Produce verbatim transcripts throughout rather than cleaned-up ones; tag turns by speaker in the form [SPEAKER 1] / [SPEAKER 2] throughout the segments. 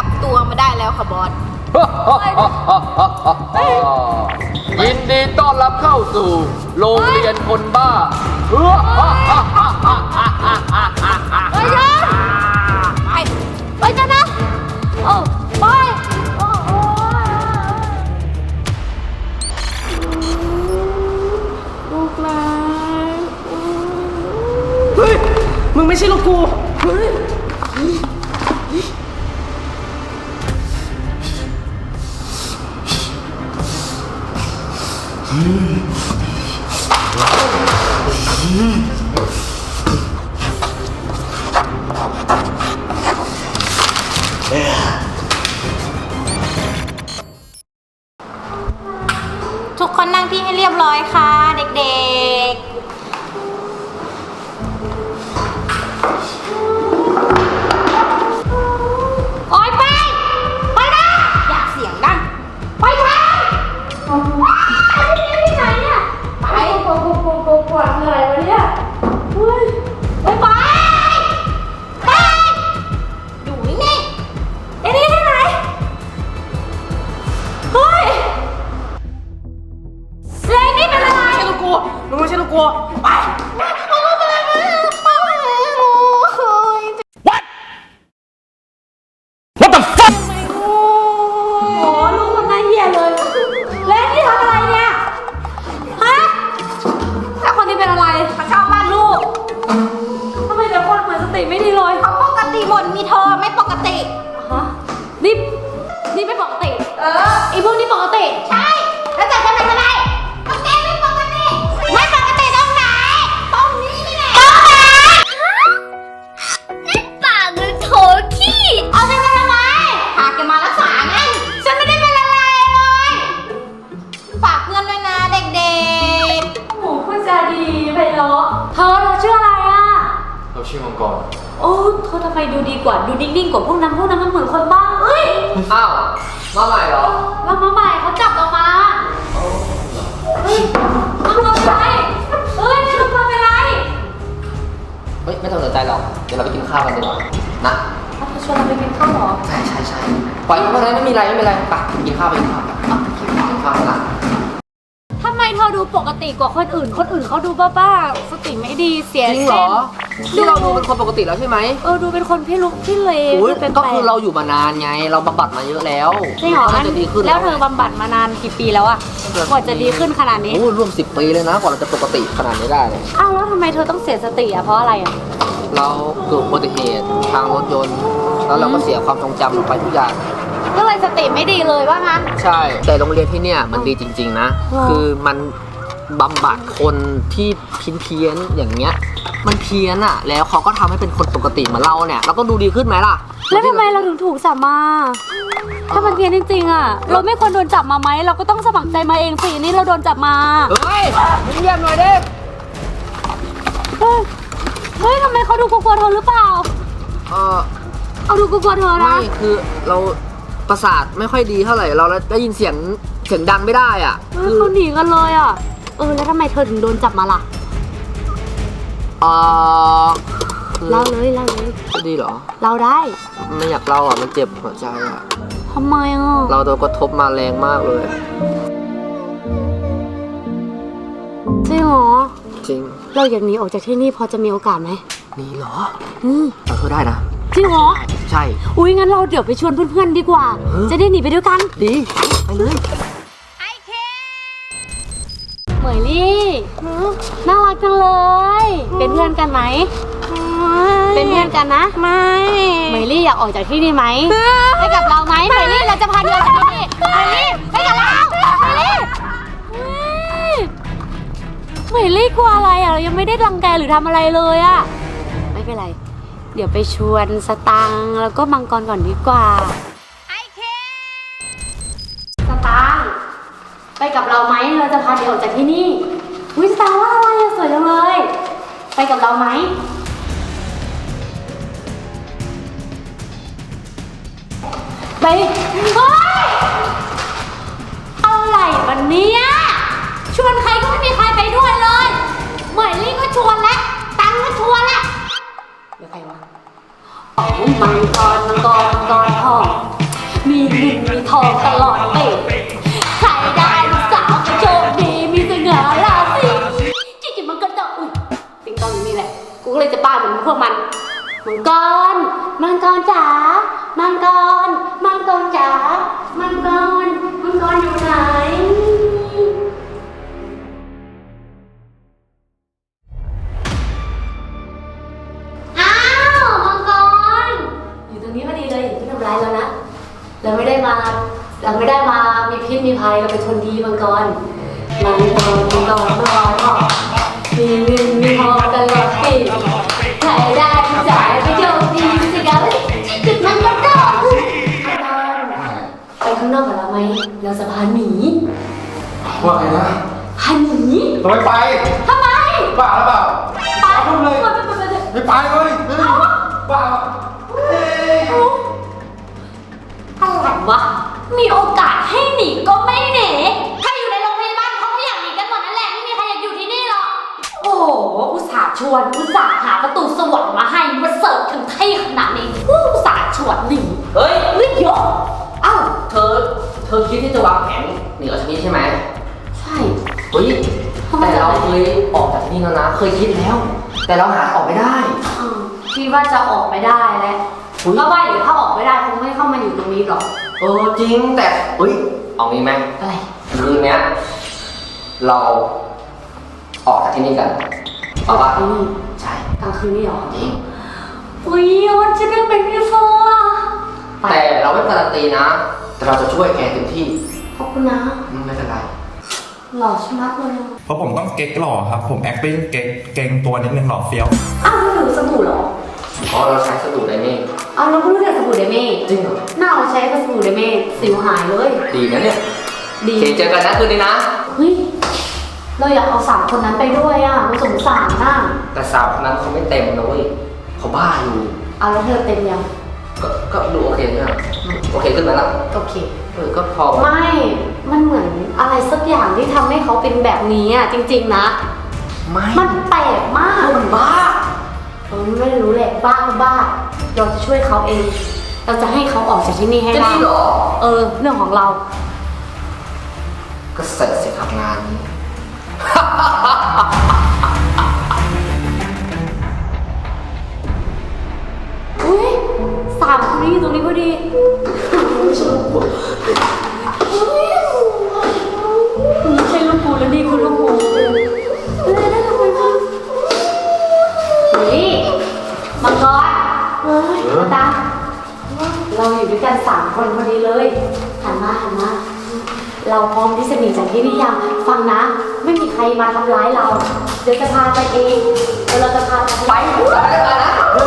[SPEAKER 1] จับตัวมาได้แล้วค่ะบอส
[SPEAKER 2] ยินดีต้อนรับเข้าสู่โรงเรียนคนบ้าเฮ้ย
[SPEAKER 1] ไปไปกันนะโอ้ไปลูกหลาน
[SPEAKER 3] เฮ้ยมึงไม่ใช่ลูกกูเฮ้ย
[SPEAKER 1] ทุกคนนั่งที่ให้เรียบร้อยค่ะเด็กๆโอ๊ยไปไปนะอย่าเสียงดังไปทางที่ไหนเนี่ยไปโกโกโกโกโกคืออะไรวะเนี่ยเฮ้ยไปไปไปอยู่นี่ไอ้นี่ที่ไหนเฮ้ยเลนนี่เป็นอะไร
[SPEAKER 3] ไม่ใช่ลูกกูมึงไม่ใช่ลูกกูไปWhat What the fuck
[SPEAKER 1] โอ้โหลูกคนน่าเหี้ยเลยเลนนี่ทำอะไรเนี่ยฮะแล้วคนนี้เป็นอะไรเขาชอบบ้านลูกทำไมแต่คนเหมือนสติไม่ดีเลยเขาปกติหมดมีเธอไม่ปกติฮะนี่นี่ไม่ปกติเออไอพวกนี้ปกติใช่แล้วแต่จะเป็นอะไรก็แกไม่ปกติไม่ปกติตรงไหนตรงนี้นี่แหละตรงไหนนี่ปากหรือโถขี้เอาฉันมาทำไมพาแกมารักษาไงฉันไม่ได้เป็นอะไรเลยฝากเพื่อนด้วยนะเด็กๆโอ้พูดจาดีไปเนาะเธอเธอชื่ออะไรอ่ะ
[SPEAKER 2] เราชื่อมังกร
[SPEAKER 1] โอ้เธอทำไมดูดีกว่าดูนิ่งๆกว่าพวกนั้นพวกนั้นมันเหมือนคนบ้าเอ้ย
[SPEAKER 2] อ้าวมาใหม่เหรอ
[SPEAKER 1] เรามาใหม่เขาจับเรามาเฮ้ยต้องเราไปเฮ้ยไม่ต้องมาเป็นไร
[SPEAKER 2] เฮ้ยไม่ต้องสนใจหรอกเดี๋ยวเราไปกินข้าวกันดีกว่านะ
[SPEAKER 1] เขาชวนเราไปกินข้าวเหรอ
[SPEAKER 2] ใช่ใช่ใช่ปล่อยเขาไปเลยไม่มีอะไรไม่มีอะไรไปกินข้าวไปกินข้าวไปกินข้าวนะ
[SPEAKER 1] ทำไมเธอดูปกติกว่าคนอื่นคนอื่นเขาดูบ้าๆสติไม่ดีเสีย
[SPEAKER 2] จริงเหรอที่เราดูเป็นคนปกติแล้วใช่ไหม
[SPEAKER 1] เออดูเป็นคนพี่ลุกพี่เลว
[SPEAKER 2] ก็คือเราอยู่มานานไงเราบำบัดมาเยอะแล้ว
[SPEAKER 1] จริงเหรอแล้วเธอบำบัดมานานกี่ปีแล้วอะกว่าจะดีขึ้นขนาดนี้
[SPEAKER 2] โอ้ร่วมสิบปีเลยนะกว่าเราจะปกติขนาดนี้ได้เลย
[SPEAKER 1] อ้าวแล้วทำไมเธอต้องเสียสติอะเพราะอะไรอะ
[SPEAKER 2] เราเกิดอุบัติเหตุทางรถยนต์แล้วเราก็เสียความทรงจำลงไปทุกอย่าง
[SPEAKER 1] ก็เลยสติไม่ดีเลยว่างั้น
[SPEAKER 2] ใช่แต่โรงเรียนที่เนี่ยมันดีจริงๆนะคือมันบำบัดคนที่พินเพี้ยนอย่างเงี้ยมันเพี้ยนอะแล้วเขาก็ทำให้เป็นคนปกติเหมือนเราเนี่ยเราก็ดูดีขึ้นไหมล่ะ
[SPEAKER 1] แล้วทำไมเราถึงถูกจับมาถ้ามันเพี้ยนจริงๆอะเราไม่ควรโดนจับมาไหมเราก็ต้องสมัครใจมาเองสินี่เราโดนจับมา
[SPEAKER 2] เฮ้ยมึงเยี่ยมหน่อยดิ
[SPEAKER 1] เฮ้ยเฮ้ยทำไมเขาดูกลัวๆเธอหรือเปล่า
[SPEAKER 2] เออ
[SPEAKER 1] เอาดูกลัวๆเธอนะ
[SPEAKER 2] ไม่คือเราประสาทไม่ค่อยดีเท่าไหร่เราได้ยินเสียงเสียงดังไม่ได้อ่ะ
[SPEAKER 1] เขาหนีกันเลยอ่ะเออแล้วทำไมเธอถึงโดนจับมาล่ะ
[SPEAKER 2] เออ
[SPEAKER 1] เล่าเลยเล่าเลย
[SPEAKER 2] จะดีเหรอ
[SPEAKER 1] เล่าได้
[SPEAKER 2] ไม่อยากเล่าอ่ะมันเจ็บหัวใจอ่ะ
[SPEAKER 1] ทำไมอ่ะ
[SPEAKER 2] เราโดนกระทบมาแรงมากเลย
[SPEAKER 1] จริงเหรอ
[SPEAKER 2] จริง
[SPEAKER 1] เราอยากหนีออกจากที่นี่พอจะมีโอกาสไหม
[SPEAKER 2] หนีเหรอ
[SPEAKER 1] อืม
[SPEAKER 2] เราเธอได้นะ
[SPEAKER 1] จริงเหรอ
[SPEAKER 2] ใช่
[SPEAKER 1] อุ้ยงั้นเราเดี๋ยวไปชวนเพื่อนๆดีกว่าจะได้หนีไปด้วยกัน
[SPEAKER 2] ดีไปเลย
[SPEAKER 1] ไอเคเหมยลี่น่ารักจังเลยเป็นเพื่อนกันไหมเป็นเพื่อนกันนะไม่เหมยลี่อยากออกจากที่นี่ไหมไปกับเราไหมเหมยลี่เราจะพาเดินจากที่นี่เหมยลี่ไปกับเราเหมยลี่เหมยลี่กลัวอะไรอ่ะเรายังไม่ได้รังแกหรือทำอะไรเลยอ่ะไม่เป็นไรเดี๋ยวไปชวนสตังแล้วก็มังกรก่อนดีกว่าไอเคสตังไปกับเราไหมเราจะพาเดี๋ยวออกจากที่นี่วิสตังว่าอะไรอะสวยจังเลยไปกับเราไหมไปเฮ้ยอะไรวันนี้ชวนใครก็ไม่มีใครไปด้วยเลยเหมยลี่ก็ชวนแล้วตังก็ชวนแล้วเดี๋ยวใครวะมังกรมังกรมังกรทองรมังกรจ๋ามังกรมังกรจ๋ามังกรมังกรอยู่ไหนอ้าวมังกรอยู่ตรงนี้พอดีเลยไม่ทำร้ายเรานะเราไม่ได้มาเราไม่ได้มามีพิษมีภัยเราเป็นคนดีมังกรมังกรมังกรมังกรก็มีเงินมีทองตลอดปีใครได้จ่ายไปโชคดีสิครับจุดมันก็ได้ไปข้างนอกกับเราไหมเราจะพาหนี
[SPEAKER 4] ว่าไงนะ
[SPEAKER 1] พาหนี
[SPEAKER 4] ทำไมไป
[SPEAKER 1] ทำไม
[SPEAKER 4] บ้าหรือเปล่า
[SPEAKER 1] ไป
[SPEAKER 4] พูดเลย
[SPEAKER 1] ไปไปไป
[SPEAKER 4] ไม่ไปเลยเฮ้ยบ้า
[SPEAKER 1] อะไรวะมีโอกาสให้หนีก็ไม่หนีใครอยู่ในโรงพยาบาลเขาก็อยากหนีกันหมดนั่นแหละไม่มีใครอยากอยู่ที่นี่หรอกโอ้โหอุตส่าห์ชวนอุตส่าห์หาประตูสวรรค์มาให้มาเสิร์ฟถึงที่ขนาดนี้อุตส่าห์ชวนหนี
[SPEAKER 2] เฮ้ย
[SPEAKER 1] เฮ้ยเยอะอ้าว
[SPEAKER 2] เธอ เธอคิดที่จะวางแผนหนีออกจากนี่ใช่ไหม
[SPEAKER 1] ใช่
[SPEAKER 2] เฮ้ย แต่เราเคยออกจากที่นี่แล้วนะ เคยคิดแล้ว แต่เราหาออกไม่ได้
[SPEAKER 1] อืมคิดว่าจะออกไม่ได้แล้ว
[SPEAKER 2] อุ๊ย
[SPEAKER 1] ก็ว่าอยู่ถ้าออกไม่ได้คงไม่เข้ามาอยู่ตรงนี้หรอก
[SPEAKER 2] เออจริงแต่เฮ้ย เอางี้ไหม
[SPEAKER 1] อะไร
[SPEAKER 2] คืนเนี้ยเราออกจากที่นี่กันเอาปะ
[SPEAKER 1] อืม
[SPEAKER 2] ใช่
[SPEAKER 1] กลางคืนนี่หรอ
[SPEAKER 2] จริง
[SPEAKER 1] อุ้ยมันจะได้เป็นพี่ฟอไป
[SPEAKER 2] แต่เราไม่การันตีนะ แต่เราจะช่วยแกเต็มที่
[SPEAKER 1] ขอบคุณนะ
[SPEAKER 2] อืมไม่เป็นไร
[SPEAKER 1] หล่อชะมัดเลย
[SPEAKER 4] เพราะผมต้องเก๊กหล่อครับ ผม acting เก๊กเก่งตัวนิดนึงหล่อเฟี้ยว
[SPEAKER 1] อ้าวไม่รู้สบู่เหรอ
[SPEAKER 2] เพราะเราใช้สบู่ไดเม่
[SPEAKER 1] อ้าวเราก็รู้จักสบู่เดเม่
[SPEAKER 2] จริงเหรอ
[SPEAKER 1] หน้าเราใช้สบู่เดเม่สิวหายเลย
[SPEAKER 2] ดีนะเนี่ย
[SPEAKER 1] ดี
[SPEAKER 2] โอเคเจอกันนะคืนนี้นะ
[SPEAKER 1] เฮ้ยเราอยากเอาสามคนนั้นไปด้วยอ่ะเราสงสารน่ะ
[SPEAKER 2] แต่สาวคนนั้นเขาไม่เต็มนะเว้ยเขาบ้าอยู่
[SPEAKER 1] เอาแล้วเธอเต็มยัง
[SPEAKER 2] ก็ก็ดูโอเคใช่ไหมโอเคขึ้นไหมล่ะ
[SPEAKER 1] โอเค
[SPEAKER 2] เออก็พอ
[SPEAKER 1] ไม่ มันเหมือนอะไรสักอย่างที่ทำให้เขาเป็นแบบนี้อ่ะจริงๆนะ
[SPEAKER 2] ไม่
[SPEAKER 1] มันแปลกมาก
[SPEAKER 2] มันบ้า
[SPEAKER 1] เออไม่รู้แหละบ้าก็บ้า เราจะช่วยเขาเอง เราจะให้เขาออกจากที่นี่ให้
[SPEAKER 2] จะ
[SPEAKER 1] ได้
[SPEAKER 2] ดีเหรอ
[SPEAKER 1] เออ เรื่องของเรา
[SPEAKER 2] ก็เสร็จสิครับงานนี้
[SPEAKER 1] อุ้ยสามคนนี้อยู่ตรงนี้พอดีไม่ใช่ลูกกูแล้วนี่คือลูกกูเลยได้ทำไมบ้างนี่มังกรเฮ้ยมาตาเราอยู่ด้วยกันสามคนพอดีเลยหันมาหันมา เราพร้อมที่จะหนีจากที่นี่ยังฟังนะ ไม่มีใครมาทำร้ายเรา เดี๋ยวจะพาไปเองเดี๋ยวเราจะพาไป
[SPEAKER 2] ไปไปไปนะ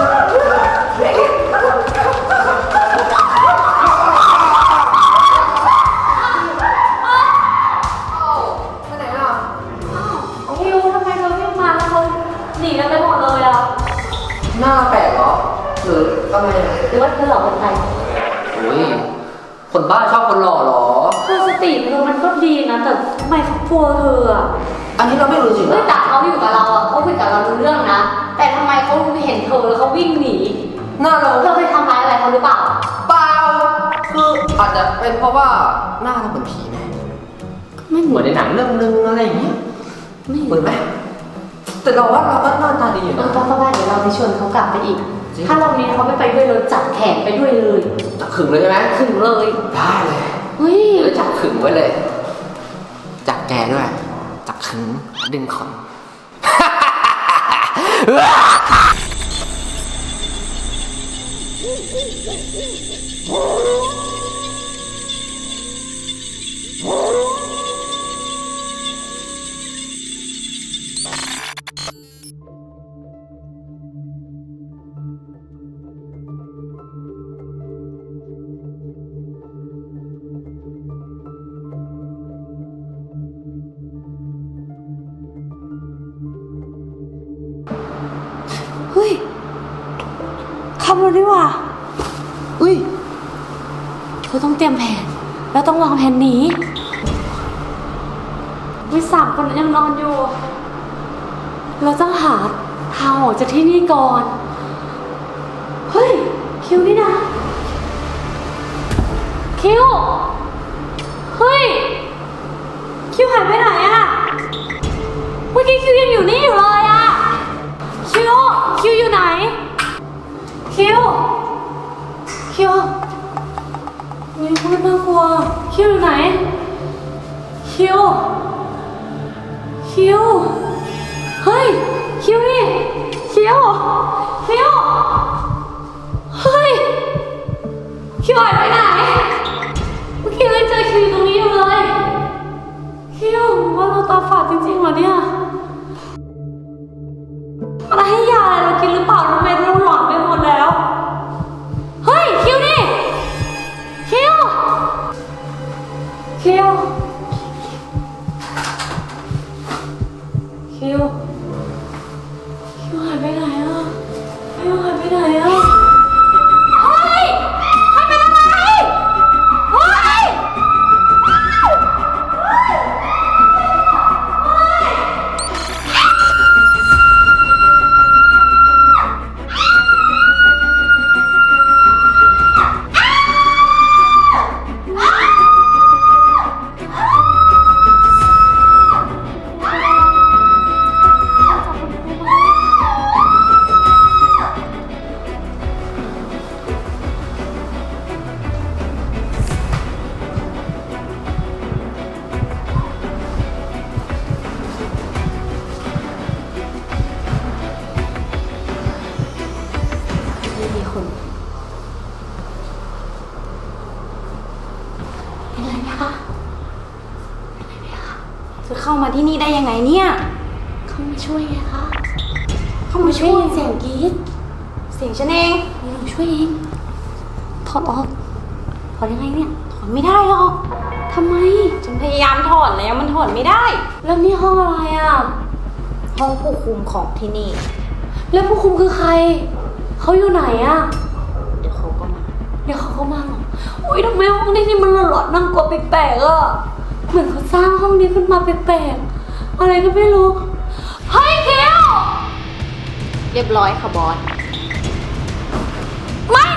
[SPEAKER 1] คิวทำไมเธอไม่มาแล้วเขาหนีกันไปหมดเลยอ่ะ
[SPEAKER 2] หน้าแปลกเหรอ หรืออะไรอ่ะ
[SPEAKER 1] หรือว่าเธอหลอกคนไทย
[SPEAKER 2] โอ้ยคนบ้าชอบคนหล่อเหรอ
[SPEAKER 1] เธอสติเธอมันก็ดีนะแต่ทำไมเขากลัวเธออ่ะ
[SPEAKER 2] อันนี้เราไม่รู้จริง
[SPEAKER 1] เฮ้ย
[SPEAKER 2] นะ
[SPEAKER 1] แต่เขาอยู่กับเราอ่ะเขาคุยกับเรารู้เรื่องนะ แต่ทำไมเขาเห็นเธอแล้วเขาวิ่งหนี
[SPEAKER 2] หน้าเรา
[SPEAKER 1] เธอเคยทำร้ายอะไรเขาหรือเปล่า
[SPEAKER 2] เปล่าคืออาจจะเป็นเพราะว่าหน้าเราเหมือนผีไหม
[SPEAKER 1] ไม่เห
[SPEAKER 2] เหมื
[SPEAKER 1] มื
[SPEAKER 2] อ
[SPEAKER 1] อน น
[SPEAKER 2] ในหนังเรื่องนึงอะไรอย่างเงี้ย
[SPEAKER 1] ไม่
[SPEAKER 2] เหมือนไหมแต่เราว่าเราก็หน้าตาดีอยู่
[SPEAKER 1] เออ
[SPEAKER 2] นะ
[SPEAKER 1] ป้าป้าเดี๋ยวเราไปชวนเขากลับไปอีก
[SPEAKER 2] จริง
[SPEAKER 1] ถ้ารอบนี้เขาไม่ไปด้วยเราจับแขนไปด้วยเลย
[SPEAKER 2] จับขึงเลยใช่ไหม
[SPEAKER 1] ถึงเลย
[SPEAKER 2] ได้เลย
[SPEAKER 1] เฮ้ย
[SPEAKER 2] เดี๋ยวจับขึงไว้เลย จับแกด้วย จับขึงดึงขน
[SPEAKER 1] เฮ้ยคำเราดีว่าอุ้ยเธอต้องเตรียมแผน แล้วต้องวางแผนหนีวิสามคนยังนอนอยู่ เราต้องหาทางออกจากที่นี่ก่อน เฮ้ย คิวนี่นะ คิว เฮ้ย คิวหายไปไหนอะเมื่อกี้คิวยังอยู่นี่อยู่เลยอะคิว คิวอยู่ไหน คคิว คิวมีพูดน่ากลัว คิวอยู่ไหน คิว คิว เฮ้ย คิวนี่ คิว คิว เฮ้ย คิวหายไปไหน เมื่อกี้เลยเจอคิวอยู่ตรงนี้อยู่เลย คิวว่าเราตาฝาดจริงๆเหรอเนี่ยอะไรให้ยาอะไรเรากินหรือเปล่าทำไมเราหลอนไปหมดแล้ว เฮ้ย คิวนี่ คิว คิว คิว คิวหายไปไหนอ่ะ คิวหายไปไหนอ่ะ เฮ้ยใครเป็นอะไร เฮ้ย
[SPEAKER 5] จะเข้ามาที่นี่ได้ยังไงเนี่ย เข้ามาช่วยไงคะ เข้ามาช่วยเสียงกรี๊ดเสียงฉันเองนี่หนูช่วยเอง ถอดออก ถอดยังไงเนี่ย ถอดไม่ได้หรอกทำไม ฉันพยายามถอดแล้วมันถอดไม่ได้
[SPEAKER 1] แล้วนี่ห้องอะไรอ่ะ
[SPEAKER 5] ห้องผู้คุมของที่นี่
[SPEAKER 1] แล้วผู้คุมคือใคร เขาอยู่ไหนอ่ะ
[SPEAKER 5] เดี๋ยวเขาก็มา
[SPEAKER 1] เดี๋ยวเขาก็มาเหรออุ้ยทำไมห้องนี้นี่มันหลอนๆน่ากลัวแปลกๆอ่ะ เหมือนเขาสร้างห้องนี้ขึ้นมาแปลกๆ อะไรก็ไม่รู้ เฮ้ยคิว
[SPEAKER 5] เรียบร้อยค่ะบอส
[SPEAKER 1] ไม่